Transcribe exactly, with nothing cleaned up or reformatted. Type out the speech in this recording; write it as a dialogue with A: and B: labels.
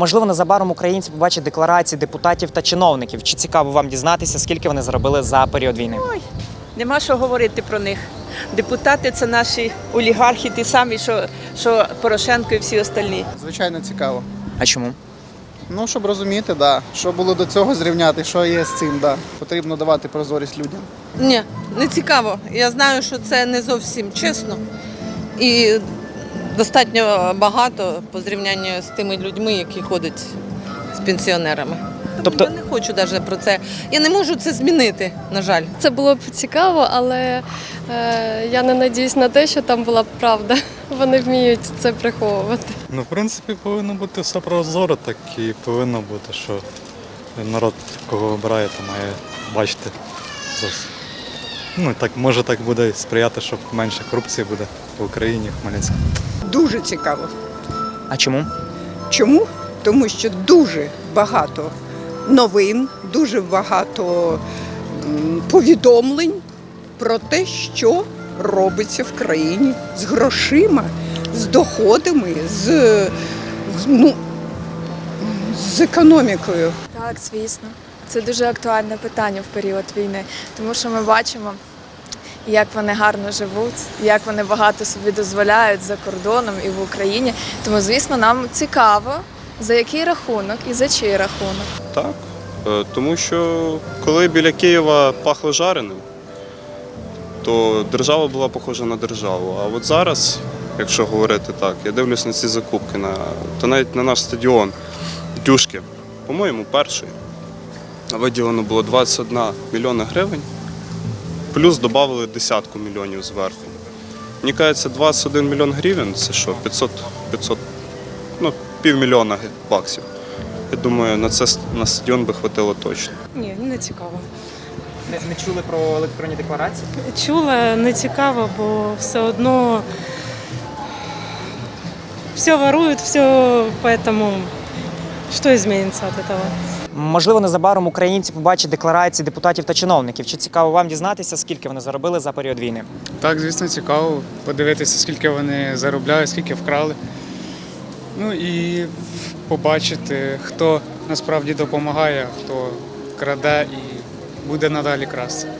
A: Можливо, незабаром українці побачать декларації депутатів та чиновників. Чи цікаво вам дізнатися, скільки вони заробили за період війни?
B: Ой, нема що говорити про них. Депутати – це наші олігархи, ті самі, що, що Порошенко і всі остальні.
C: Звичайно, цікаво.
A: А чому?
C: Ну, щоб розуміти, да, що було до цього зрівняти, що є з цим, да. Потрібно давати прозорість людям.
D: Ні, не цікаво. Я знаю, що це не зовсім чесно і достатньо багато по зрівнянню з тими людьми, які ходять з пенсіонерами.
A: Тобто-
D: Я не хочу навіть про це. Я не можу це змінити, на жаль.
E: Це було б цікаво, але е, я не надіюсь на те, що там була б правда. Вони вміють це приховувати.
F: Ну, в принципі, повинно бути все прозоро, так і повинно бути, що народ, кого обирає, то має бачити. Ну, так, може так буде сприяти, щоб менше корупції буде в Україні, в Хмельницькому.
G: Дуже цікаво.
A: А чому?
G: Чому? Тому що дуже багато новин, дуже багато м, повідомлень про те, що робиться в країні з грошима, з доходами, з, з, ну, з економікою.
H: Так, звісно. Це дуже актуальне питання в період війни, тому що ми бачимо, як вони гарно живуть, як вони багато собі дозволяють за кордоном і в Україні. Тому, звісно, нам цікаво, за який рахунок і за чий рахунок.
I: Так, е, тому що коли біля Києва пахло жареним, то держава була похожа на державу. А от зараз, якщо говорити так, я дивлюсь на ці закупки, на, то навіть на наш стадіон Дюшки, по-моєму, перший, виділено було двадцять один мільйона гривень, плюс додали десятку мільйонів зверху. Мені кажеться, двадцять один мільйон гривень – це що, п'ятсот, п'ятсот, ну, півмільйона баксів. Я думаю, на це на стадіон би хватило точно.
J: Ні, не цікаво.
A: Не, не чули про електронні декларації?
J: Чула, не цікаво, бо все одно все ворують, все, поэтому що зміниться від цього?
A: Можливо, незабаром українці побачать декларації депутатів та чиновників. Чи цікаво вам дізнатися, скільки вони заробили за період війни?
K: Так, звісно, цікаво подивитися, скільки вони заробляють, скільки вкрали. Ну і побачити, хто насправді допомагає, хто краде і буде надалі красти.